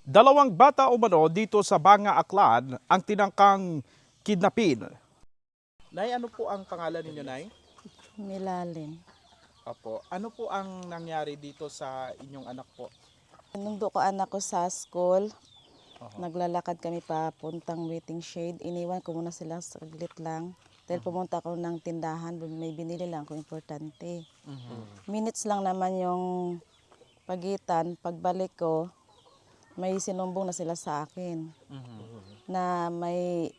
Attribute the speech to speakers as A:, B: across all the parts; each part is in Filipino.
A: Dalawang bata umano dito sa Banga Aklan ang tinangkang kidnapin. Nay, ano po ang pangalan ninyo, Nay?
B: Milalim.
A: Opo. Ano po ang nangyari dito sa inyong anak po?
B: Nung doon ko anak ko sa school,
A: Oho.
B: naglalakad kami papuntang waiting shade. Iniwan ko muna sila saglit lang. Dahil pumunta ako ng tindahan, may binili lang ako importante. Minutes lang naman yung pagitan. Pagbalik ko, may sinumbong na sila sa akin. Na may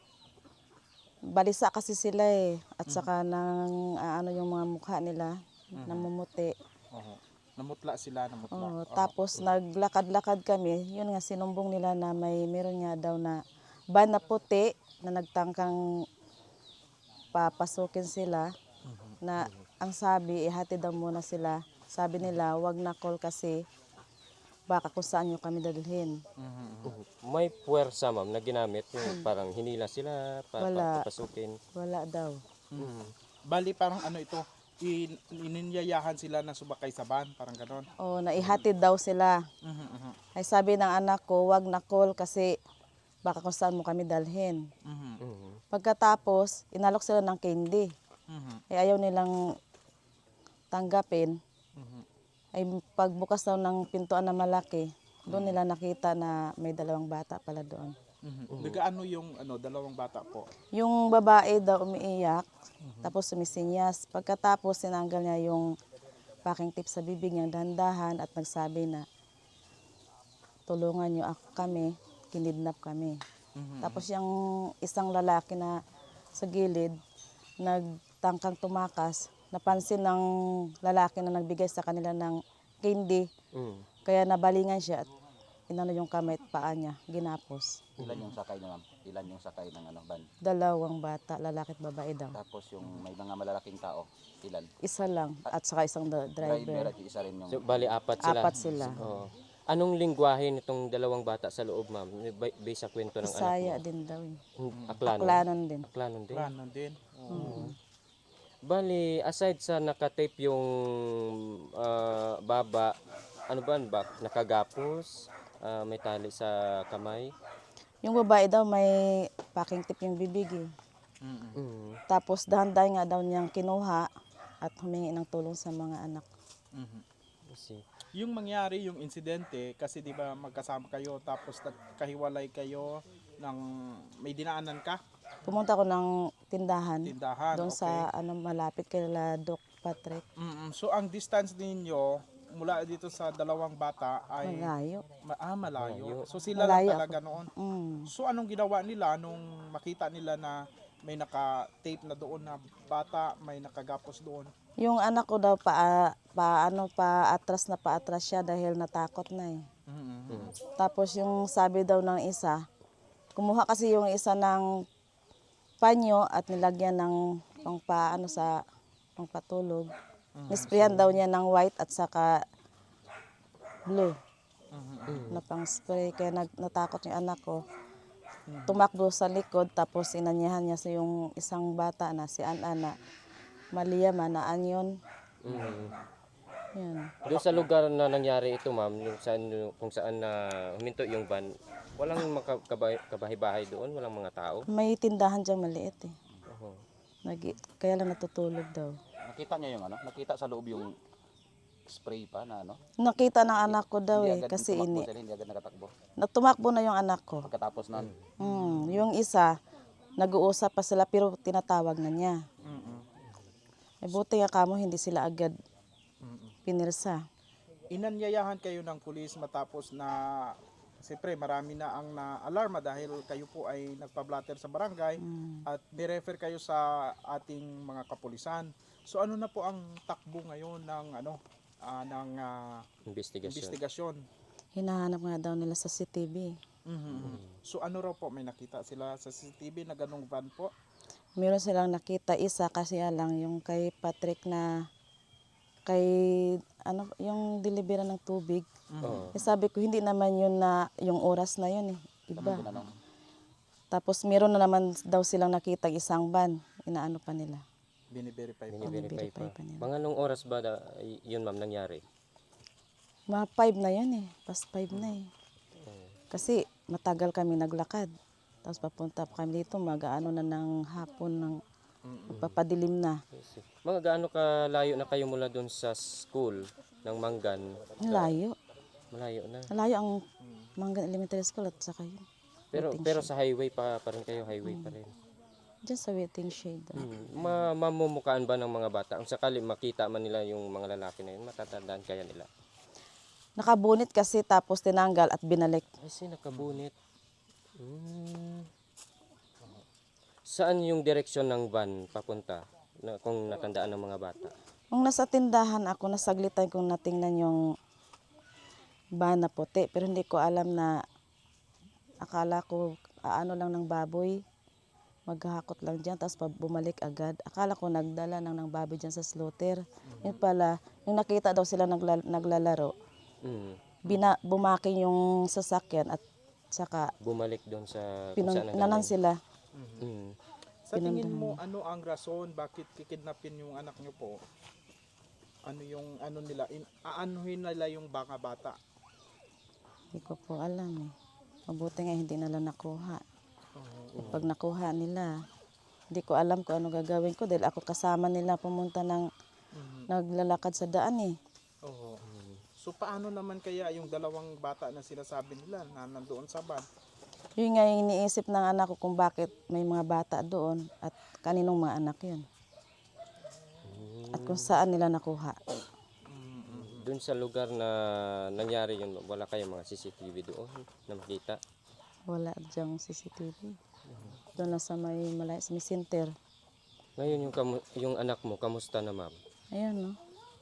B: balisa kasi sila eh. At saka nang ano yung mga mukha nila, namumuti.
A: Oho. Namutla sila, namutla.
B: Oo,
A: Oho.
B: tapos naglakad-lakad kami, yun nga sinumbong nila na meron nga daw na van na puti na nagtangkang papasukin sila na ang sabi ihatid daw muna sila. Sabi nila wag na call kasi baka kung saan nyo kami dadalhin.
C: May puwersa ma'am na ginamit yung parang hinila sila
B: Wala.
C: papasukin.
B: Wala daw.
A: Bali parang ano ito, ininyayahan sila na sumakay sa van, parang ganon.
B: O naihatid daw sila. Ay sabi ng anak ko wag na call kasi baka kung saan mo kami dalhin. Pagkatapos inalok sila ng candy. Ayaw nilang tanggapin. Ay pagbukas daw ng pintuan na malaki, doon nila nakita na may dalawang bata pala doon.
A: Nagaano yung dalawang bata po?
B: Yung babae daw umiiyak, tapos sumisinyas. Pagkatapos sinanggal niya yung packing tape sa bibig niya dahan-dahan at nagsabi na tulungan niyo kami, kinidnap kami. Tapos yung isang lalaki na sa gilid, nagtangkang tumakas, napansin ng lalaki na nagbigay sa kanila ng candy. Kaya nabalingan siya at inano yung kamay at paa niya, ginapos.
D: Ilan yung sakay na ma'am? Ilan yung sakay ng van?
B: Dalawang bata, lalaki at babae daw.
D: Tapos yung may mga malalaking tao, ilan?
B: Isa lang at saka isang
D: Driver
B: driver.
D: at isa rin yung...
C: So, bali apat sila.
B: Apat sila.
C: Oo. Anong lingwahe nitong dalawang bata sa loob ma'am? Based sa kwento ng
B: Isaya
C: anak mo.
B: din daw. Eh.
C: Aklanon.
B: Aklanon din.
C: Aklanon din.
A: Plano din.
C: Bali, aside sa nakatape yung baba, ano ba? Nakagapos, may tali sa kamay.
B: Yung babae daw may packing tape yung bibig eh. Tapos dahan-dahan nga daw niyang kinuha at humingi ng tulong sa mga anak.
C: Kasi,
A: Yung mangyari yung insidente kasi 'di ba magkasama kayo tapos nagkahiwalay kayo ng may dinaanan ka,
B: Pumunta ako ng tindahan,
A: tindahan.
B: doon sa malapit kay Doc Patrick.
A: So ang distance ninyo mula dito sa dalawang bata ay
B: Malayo.
A: malayo. So sila
B: Malayo
A: lang talaga noon. So anong ginawa nila nung makita nila na may naka-tape na doon na bata, may nakagapos doon?
B: Yung anak ko daw paatras siya dahil natakot na eh. Tapos yung sabi daw ng isa, kumuha kasi yung isa ng panyo at nilagyan ng sa pangpatulog. Nisprayan daw niya ng white at saka blue na pang spray. Kaya natakot yung anak ko. Tumakbo sa likod tapos inanyahan niya sa yung isang bata na si Ana Malia Manaan yun. Yan.
C: doon sa lugar na nangyari ito ma'am, kung saan na huminto yung van, walang kabahay-bahay doon, walang mga tao.
B: May tindahan dyan maliit eh.
C: Oo.
B: Kaya lang natutulog daw.
D: Nakita niya yung nakita sa loob yung spray pa na
B: Nakita ng anak ko daw
D: Hindi
B: eh
D: agad
B: kasi
D: tumakbo sila, hindi agad nakatakbo.
B: tumakbo na yung anak ko.
D: Pagkatapos nun,
B: Yung isa, nag-uusap pa sila pero tinatawag na niya. Buti nga kamo hindi sila agad pinirsa.
A: Inanyayahan kayo ng pulis matapos na siyempre marami na ang na-alarma dahil kayo po ay nagpa-blatter sa barangay at ni-refer kayo sa ating mga kapulisan. So ano na po ang takbo ngayon ng
C: Investigasyon.
A: investigasyon?
B: Hinahanap nga daw nila sa CCTV.
A: So ano raw po, may nakita sila sa CCTV na ganong van po?
B: Meron silang nakita isa kasi lang yung kay Patrick na yung delivery ng tubig.
C: Oo.
B: Sabi ko hindi naman yun na yung oras na yun eh. Iba.
D: tinanong,
B: Tapos meron na naman daw silang nakita isang van. Inaano pa nila.
A: Bini-verify po.
C: Bini-verify pa.
B: pa nila.
C: Mga anong oras ba yun ma'am nangyari?
B: Mga 5 na yun eh. Past 5 na eh. Kasi matagal kami naglakad. Tapos papunta pa kami dito, mag-ano na ng hapon, ng papadilim na.
C: Mga gaano ka layo na kayo mula doon sa school ng Manggan?
B: Ang layo.
C: Malayo na.
B: Malayo ang Manggan Elementary School at saka yun.
C: Pero sa highway pa rin kayo, highway pa rin.
B: Diyan sa waiting shade.
C: Mamumukaan ba ng mga bata? Kung sakali makita man nila yung mga lalaki na yun, matatandaan kaya nila?
B: Nakabunit kasi tapos tinanggal at binalik.
C: Ay, nakabunit. Hmm. Saan yung direksyon ng van papunta? Kung natandaan ng mga bata?
B: Nung nasa tindahan ako, nasaglitan kong natingnan yung van na puti. Pero hindi ko alam na akala ko ano lang ng baboy. Maghahakot lang dyan, tapos bumalik agad. Akala ko nagdala ng baboy dyan sa slaughter. Yun pala, yung nakita daw sila naglalaro, bumaking yung sasakyan at saka
C: Bumalik doon sa kung saan
B: pinanan
C: nanggaling.
B: sila.
C: Mm.
A: Sa tingin mo, ano ang rason bakit kikidnapin yung anak nyo po? Ano yung ano nila? Aanuhin nila yung baka bata?
B: Hindi ko po alam eh. Mabuti nga hindi nila nakuha. Pag nakuha nila, hindi ko alam kung ano gagawin ko dahil ako kasama nila pumunta ng naglalakad sa daan eh.
A: Oo. So paano naman kaya yung dalawang bata na sinasabi nila na nandoon sa van?
B: Yun nga yung iniisip ng anak ko kung bakit may mga bata doon at kaninong mga anak yun. At kung saan nila nakuha.
C: Doon sa lugar na nangyari yun, wala kayong mga CCTV doon na makita?
B: Wala dyang CCTV. Doon lang sa may center.
C: Ngayon yung anak mo, kamusta na ma'am?
B: Ayun no.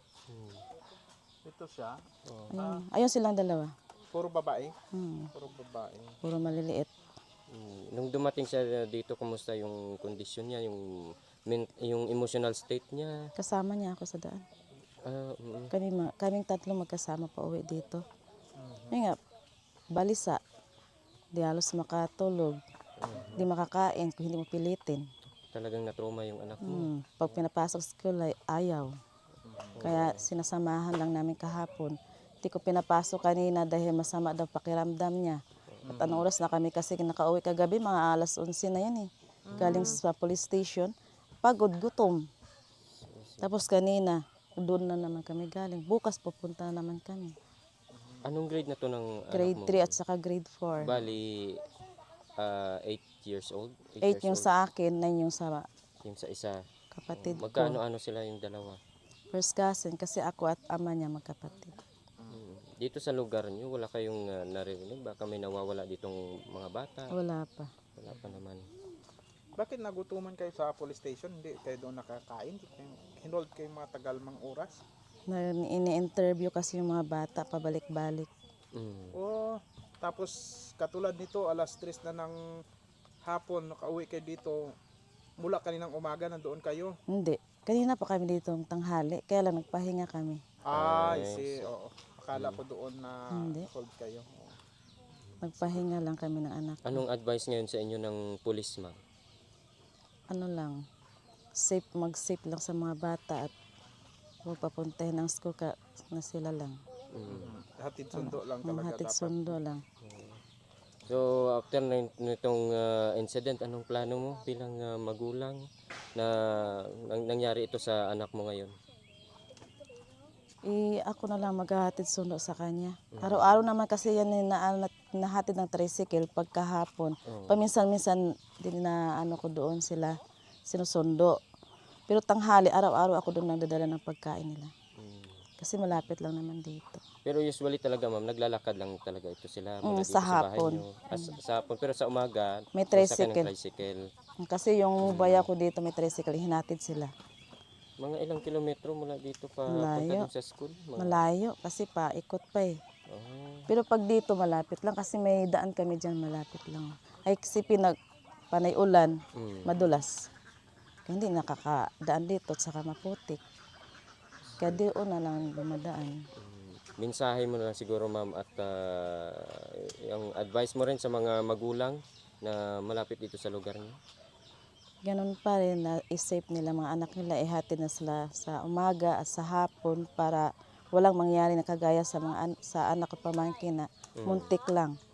A: Ito siya.
B: Ayun. Ayun silang dalawa.
A: Puro babae?
B: Hmm.
A: Puro babae.
B: Puro maliliit.
C: Nung dumating siya dito, kamusta yung kondisyon niya, yung emotional state niya?
B: Kasama niya ako sa daan. Kaming tatlo magkasama pa uwi dito. Yun nga, balisa. Di halos makatulog. Di makakain kung hindi mo pilitin.
C: Talagang natrauma yung anak mo.
B: Pag pinapasok sa school ay ayaw. Kaya sinasamahan lang namin kahapon. Hindi ko pinapasok kanina dahil masama daw pakiramdam niya. At anong oras na kami kasi nakauwi kagabi, mga alas 11 na yan eh. Galing sa police station. Pagod, gutom. Tapos kanina, doon na naman kami galing. Bukas pupunta na naman kami.
C: Anong grade na to ng
B: Grade
C: anak mo?
B: 3 at saka grade 4.
C: Bali, 8 years old?
B: 8 yung sa akin, 9 yung sa
C: Yung sa isa.
B: kapatid ko.
C: Magkano-ano sila yung dalawa?
B: First cousin kasi ako at ama niya magkapatid.
C: Dito sa lugar niyo, wala kayong naririnig? Baka may nawawala ditong mga bata?
B: Wala pa.
C: Wala pa naman.
A: Bakit nagutuman kayo sa police station? Hindi kayo doon nakakain? Hinold kayo mga tagalmang oras?
B: Ini-interview kasi yung mga bata pabalik-balik.
A: O tapos katulad nito, alas 3 na ng hapon, nakauwi kayo dito. Mula kaninang umaga, nandoon kayo?
B: Hindi. Kanina pa kami dito ng tanghali. Kaya lang nagpahinga kami.
A: I see. Oo. Akala ko doon na
B: Hindi.
A: hold kayo.
B: Nagpahinga lang kami ng anak.
C: Anong advice ngayon sa inyo ng pulis, ma'am?
B: Ano lang, mag-safe lang sa mga bata at huwag papuntahin ng school na sila lang.
A: Hatid sundo lang talaga
B: Hatid
A: dapat.
B: sundo lang.
C: So, after nitong incident, anong plano mo bilang magulang na nangyari ito sa anak mo ngayon?
B: Ako na lang maghahatid sundo sa kanya. Araw-araw naman kasi yan nahatid ng tricycle pagkahapon. Paminsan-minsan din na ano ko doon sila sinusundo. Pero tanghali, araw-araw ako doon nagdadala ng pagkain nila. Kasi malapit lang naman dito.
C: Pero usually talaga, ma'am, naglalakad lang talaga ito sila mula dito
B: sa
C: sa bahay
B: hapon.
C: niyo. Sa hapon. Pero sa umaga,
B: May
C: sasakyan ng
B: tricycle.
C: tricycle.
B: Kasi yung baya ko dito may tricycle, hinatid sila.
C: Mga ilang kilometro mula dito pa punta
B: Malayo.
C: dun sa school?
B: Malayo kasi paikot pa eh.
C: Oh.
B: Pero pag dito malapit lang kasi may daan kami dyan malapit lang. Ay kasi panay ulan, madulas. Kaya hindi nakakadaan dito at saka maputik. Kaya doon na lang dumadaan.
C: Mensahe mo na lang siguro, ma'am, at yung advice mo rin sa mga magulang na malapit dito sa lugar niyo.
B: Ganun pa rin na i-safe nila mga anak nila, ihatid na sila sa umaga at sa hapon para walang mangyari na kagaya sa anak at pamangkin na muntik lang.